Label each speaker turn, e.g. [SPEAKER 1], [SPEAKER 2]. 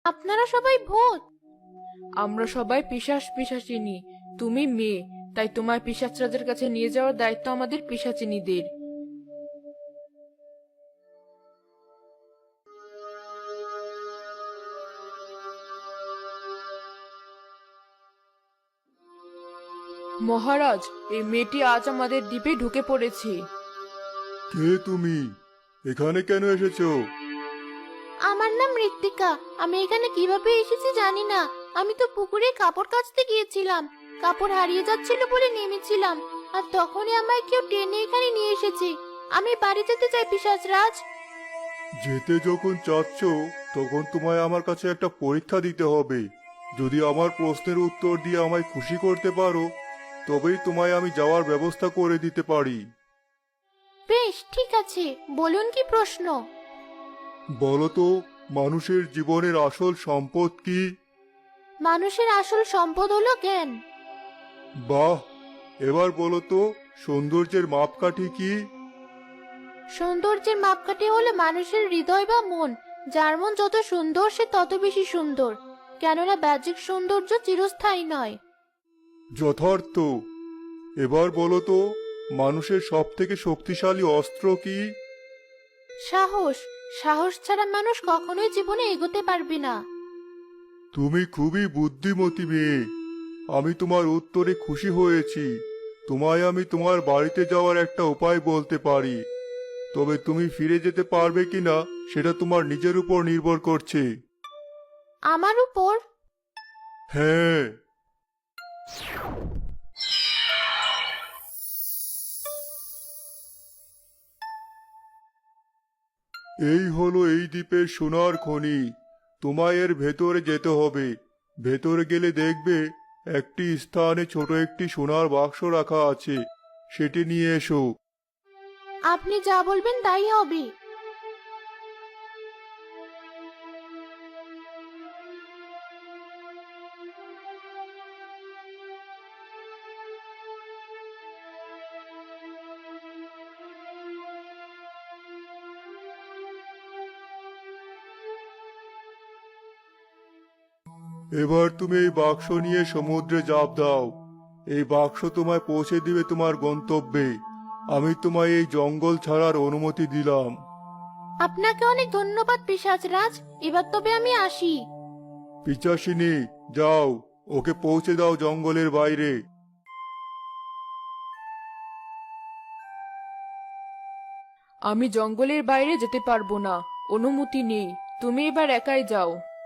[SPEAKER 1] আপনারা সবাই ভূত?
[SPEAKER 2] আমরা সবাই পিশাচিনী। তুমি মেয়ে, তাই তোমার পিশাচরাজের কাছে নিয়ে যাওয়ার দায়িত্ব আমাদের পিশাচিনীদের। মহারাজ, এই মেয়েটি আজ আমাদের দ্বীপে ঢুকে পড়েছে।
[SPEAKER 3] কে তুমি? এখানে কেন এসেছো?
[SPEAKER 1] আমার নাম ঋত্বিকা। আমি এখানে কিভাবে এসেছি জানি না। আমি তো পুকুরে কাপড় কাচতে গিয়েছিলাম। কাপড় হারিয়ে যাচ্ছিল বলে নেমেছিলাম, আর তখনই আমায় কেউ টেনে এখানে নিয়ে এসেছে। আমি বাড়ি যেতে চাই পিশাচরাজ।
[SPEAKER 3] যেতে যখন চাচ্ছ, তখন তোমায় আমার কাছে একটা পরীক্ষা দিতে হবে। যদি আমার প্রশ্নের উত্তর দিয়ে আমায় খুশি করতে পারো, তবেই তোমায় আমি যাওয়ার ব্যবস্থা করে দিতে পারি।
[SPEAKER 1] বেশ, ঠিক আছে, বলুন কি প্রশ্ন?
[SPEAKER 3] বলো তো, মানুষের জীবনের আসল সম্পদ কি?
[SPEAKER 1] মানুষের আসল সম্পদ হলো জ্ঞান।
[SPEAKER 3] বাহ! এবার বলো তো, সৌন্দর্যের মাপকাঠি কি?
[SPEAKER 1] সৌন্দর্যের মাপকাঠি হলো মানুষের হৃদয় বা মন। যার মন যত সুন্দর সে তত বেশি সুন্দর, কেননা বাহ্যিক সৌন্দর্য চিরস্থায়ী নয়।
[SPEAKER 3] যথার্থ। এবার বলো তো, মানুষের সবথেকে শক্তিশালী অস্ত্র কি?
[SPEAKER 1] সাহস। সাহস ছাড়া মানুষ কখনোই জীবনে এগোতে পারবে না।
[SPEAKER 3] তুমি খুবই বুদ্ধিমতী মেয়ে। আমি তোমার উত্তরে খুশি হয়েছি। তোমায় আমি তোমার বাড়িতে যাওয়ার একটা উপায় বলতে পারি, তবে তুমি ফিরে যেতে পারবে কিনা সেটা তোমার নিজের উপর নির্ভর করছে।
[SPEAKER 1] আমার উপর?
[SPEAKER 3] হ্যাঁ। এই হলো এই দ্বীপের সোনার খনি। তোমায় এর ভেতরে যেতে হবে। ভেতরে গেলে দেখবে একটি স্থানে ছোট একটি সোনার বাক্স রাখা আছে। সেটি নিয়ে এসো।
[SPEAKER 1] আপনি যা বলবেন তাই হবে।
[SPEAKER 3] এবার তুমি এই বাক্স নিয়ে সমুদ্রে ঝাঁপ দাও। এই বাক্স তোমায় পৌঁছে দিবে তোমার গন্তব্যে। আমি তোমায় এই জঙ্গল ছাড়ার অনুমতি দিলাম।
[SPEAKER 1] আপনাকে অনেক ধন্যবাদ পিশাচরাজ। এবার তবে আমি আসি।
[SPEAKER 3] পিচাসিনী, যাও, ওকে পৌঁছে দাও জঙ্গলের বাইরে।
[SPEAKER 2] আমি জঙ্গলের বাইরে যেতে পারবো না, অনুমতি নেই। তুমি এবার একাই যাও।